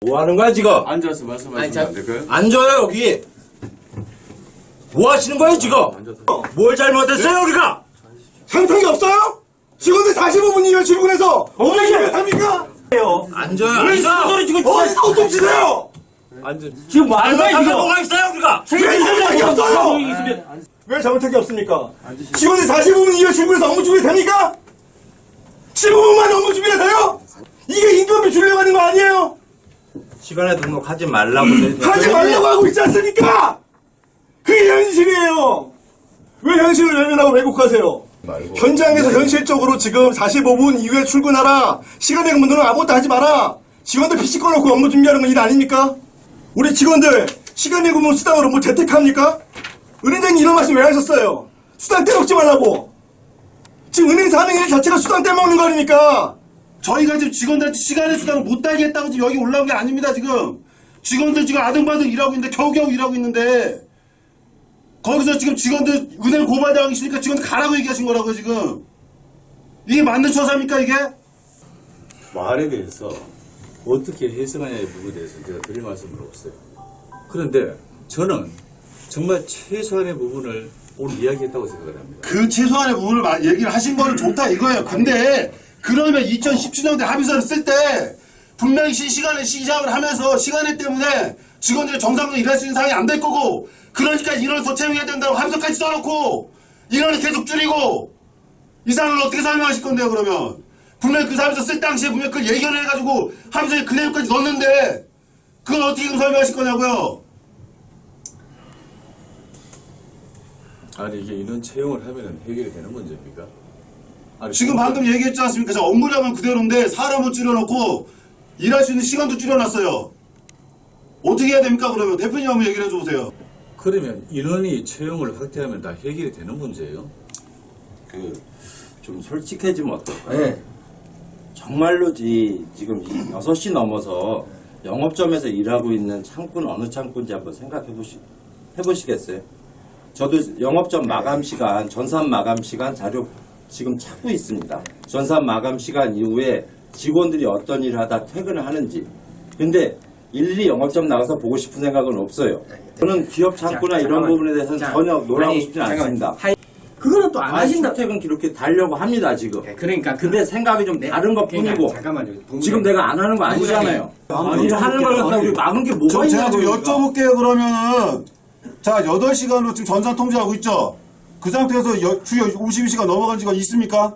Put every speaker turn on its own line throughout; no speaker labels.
뭐 하는 거야, 지금?
앉아서 말씀하시면 안 될까요?
앉아요, 여기. 뭐 하시는 거예요, 지금? 뭘 잘못했어요, 우리가?
상상이 없어요? 직원들 45분이면 출근해서 어떻게 합니까?
앉아요.
왜
앉아.
소리 지금 어디서 옷좀 치세요?
지금 뭐 하는 거야,
이거?
지금? 뭐가 있어요, 우리가?
왜 상상이 없어요? 왜 잘못한 게 없습니까? 직원들 45분이면 출근해서 업무 준비 됩니까? 15분만 업무 준비가 돼요? 이게 임금비 주려고 하는 거 아니에요?
시간에 등록하지 말라고.
하지 말라고 하고 있지 않습니까? 그게 현실이에요. 왜 현실을 외면하고 왜곡하세요? 현장에서 현실적으로 지금 45분 이후에 출근하라. 시간에 근무는 아무것도 하지 마라. 직원들 PC 꺼놓고 업무 준비하는 건 일 아닙니까? 우리 직원들 시간에 근무 수당으로 뭐 재택합니까? 은행장님 이런 말씀 왜 하셨어요? 수당 떼먹지 말라고. 지금 은행에서 하는 일 자체가 수당 떼먹는 거 아닙니까?
저희가 지금 직원들한테 시간의 수당을 못 달게 했다고 지금 여기 올라온 게 아닙니다, 지금. 직원들 지금 아등바등 일하고 있는데, 겨우겨우 일하고 있는데, 거기서 지금 직원들 은행 고발당하기 싫으니까 직원들 가라고 얘기하신 거라고요, 지금. 이게 맞는 처사입니까, 이게?
말에 대해서 어떻게 해석하냐의 부분에 대해서 제가 드릴 말씀을 없어요. 그런데 저는 정말 최소한의 부분을 오늘 이야기했다고 생각을 합니다.
그 최소한의 부분을 얘기를 하신 거는 좋다 이거예요. 근데 그러면 2017년도에 합의서를 쓸 때 분명히 시간에 시작을 하면서 시간에 때문에 직원들이 정상적으로 일할 수 있는 상황이 안 될 거고 그러니까 인원을 더 채용해야 된다고 합의서까지 써놓고 인원을 계속 줄이고 이 상황을 어떻게 설명하실 건데요 그러면 분명히 그 합의서 쓸 당시에 분명히 그걸 예견을 해가지고 합의서에 그 내용까지 넣었는데 그걸 어떻게 설명하실 거냐고요.
아니 이게 인원 채용을 하면 해결이 되는 문제입니까? 아니,
지금 방금 얘기했지 않습니까? 저 업무량은 그대로인데 사람을 줄여놓고 일할 수 있는 시간도 줄여놨어요. 어떻게 해야 됩니까 그러면? 대표님 한번 얘기를 해줘보세요.
그러면 인원이 채용을 확대하면 다 해결이 되는 문제예요?
좀 솔직해지면 어떨까요? 정말로지 지금 6시 넘어서 영업점에서 일하고 있는 창구는 어느 창구인지 한번 해보시겠어요? 저도 영업점 마감 시간, 전산 마감 시간 자료 지금 찾고 있습니다. 전산 마감 시간 이후에 직원들이 어떤 일을 하다 퇴근을 하는지. 근데 일일이 영업점 나가서 보고 싶은 생각은 없어요. 저는 기업 창구나 이런 부분에 대해서는 전혀 놀라고 싶지 않습니다.
그거는 또 안 하신다.
출퇴근 기록기 달려고 합니다, 지금.
그러니까
근데 생각이 좀 다른 것 뿐이고.
잠깐만요.
지금 내가 안 하는 거 아니잖아요. 일 하는 걸 갖다 우리 막은 게 뭐가
제가
있냐고.
좀 여쭤볼게요 그러면은 자 8시간으로 지금 전산 통제하고 있죠? 그 상태에서 주 52시간 넘어간 지가 있습니까?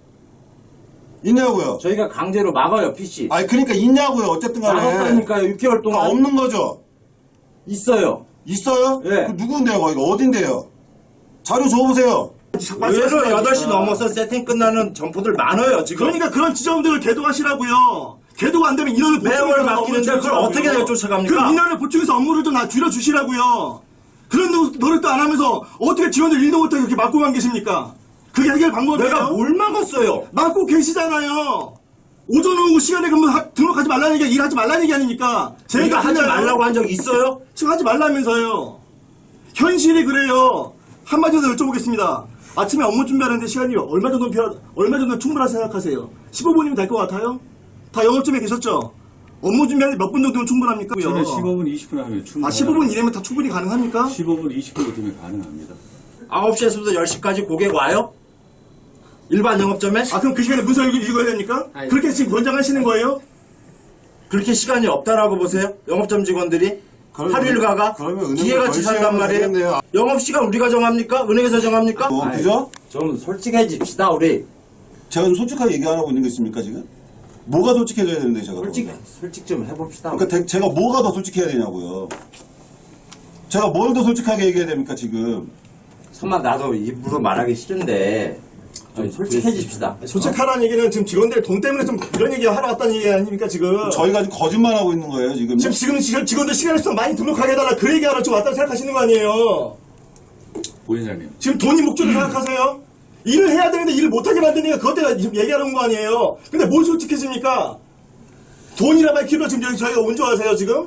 있냐고요?
저희가 강제로 막아요, PC.
아니 그러니까 있냐고요 어쨌든 간에
막았다니까요, 6개월
다
동안.
없는 거죠?
있어요.
있어요?
예.
그 누군데요 거기가 어딘데요? 자료 줘보세요.
의외로 8시 넘어서 세팅 끝나는 점포들 많아요, 지금.
그러니까 그런 지점들을 개도하시라고요. 개도가 안 되면 인원을
매월
보충해서
바뀌는데
업무를
그걸 어떻게
줄여주시라고요.
내가 쫓아갑니까?
그럼 인원을 보충해서 업무를 좀 줄여주시라고요. 그런 노력도 안 하면서 어떻게 직원들 일도 못하게 그렇게 막고만 계십니까? 그게 해결 방법이에요?
내가 뭘 막았어요?
막고 계시잖아요. 오전 오후 시간에 근무 등록하지 말라는 얘기가 일하지 말라는 얘기 아닙니까?
제가 하지
틀려요?
말라고 한 적 있어요?
지금 하지 말라면서요. 현실이 그래요. 한마디 더 여쭤보겠습니다. 아침에 업무 준비하는데 시간이 얼마 정도 충분하다 생각하세요? 15분이면 될 것 같아요? 다 영업점에 계셨죠? 업무 준비하는데 몇 분 정도면 충분합니까?
저는 15분, 20분 하면 충분합니다.
15분 이내면 다 충분히 가능합니까?
15분, 20분 되면 가능합니다.
9시에서부터 10시까지 고객 와요? 일반 영업점에?
그럼 그 시간에 문서 읽어야 됩니까?
아니.
그렇게 지금 권장하시는 거예요?
그렇게 시간이 없다라고 보세요? 영업점 직원들이? 하루 일가가?
그러면 은행을
기회같이
덜
산단
시간을
말이에요?
되겠네요.
영업시간 우리가 정합니까? 은행에서 정합니까?
그죠?
좀 솔직해집시다, 우리.
제가 좀 솔직하게 얘기하라고 있는 게 있습니까 지금? 뭐가 솔직해져야 되는데 제가
솔직 좀 해봅시다.
그러니까 제가 뭐가 더 솔직해야 되냐고요. 제가 뭘 더 솔직하게 얘기해야 됩니까 지금?
정말 나도 입으로 말하기 싫은데 좀 솔직해집시다.
솔직하라는 얘기는 지금 직원들 돈 때문에 좀 그런 얘기 하러 왔다는 얘기 아닙니까 지금?
저희가 지금 거짓말하고 있는 거예요 지금.
지금 직원들 시간을 좀 많이 등록하게 해달라 그 얘기하러 좀 왔다고 생각하시는 거 아니에요?
부회장님,
지금 돈이 목적으로 생각하세요? 일을 해야 되는데 일을 못하게 만드니까 그것 때문에 지금 얘기하러 온 거 아니에요? 근데 뭘 솔직해집니까? 돈이라 밝히러 지금 여기 저희가 온 줄 아세요 지금?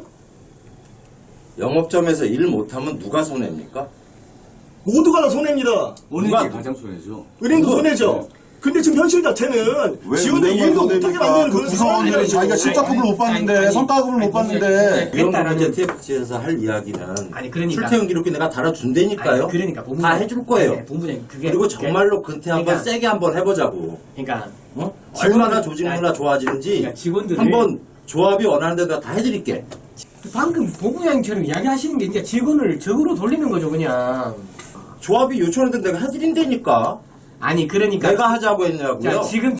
영업점에서 일 못하면 누가 손해입니까?
모두가 다 손해입니다.
은행이
누가-
가장 손해죠.
은행도
그거-
손해죠. 근데 지금 현실 자체는
왜
지원을
운영을
일도 못하게
못합니까?
만드는
그
그런
구성원들이
상황이라고.
자기가 실적급을 못 봤는데 성과급을 못 봤는데
위원분 이제 TFC에서 할 이야기는
아니, 그러니까.
출퇴근 기록기 내가 달아준다니까요.
아니, 그러니까 본부장-
다 해줄 거예요.
아니, 본부장님 그게
그리고 정말로 근태 한번
그러니까-
세게 한번 해보자고.
그러니까
어?
직원들-
얼마나 조직 문화 좋아지는지
그러니까 직원들을-
한번 조합이 원하는 데다 다 해드릴게.
방금 본부장님처럼 이야기하시는 게 이제 직원을 적으로 돌리는 거죠, 그냥.
조합이 요청하는 데 내가 해드린다니까.
아니, 그러니까
내가 하자고 했냐고요.
자, 지금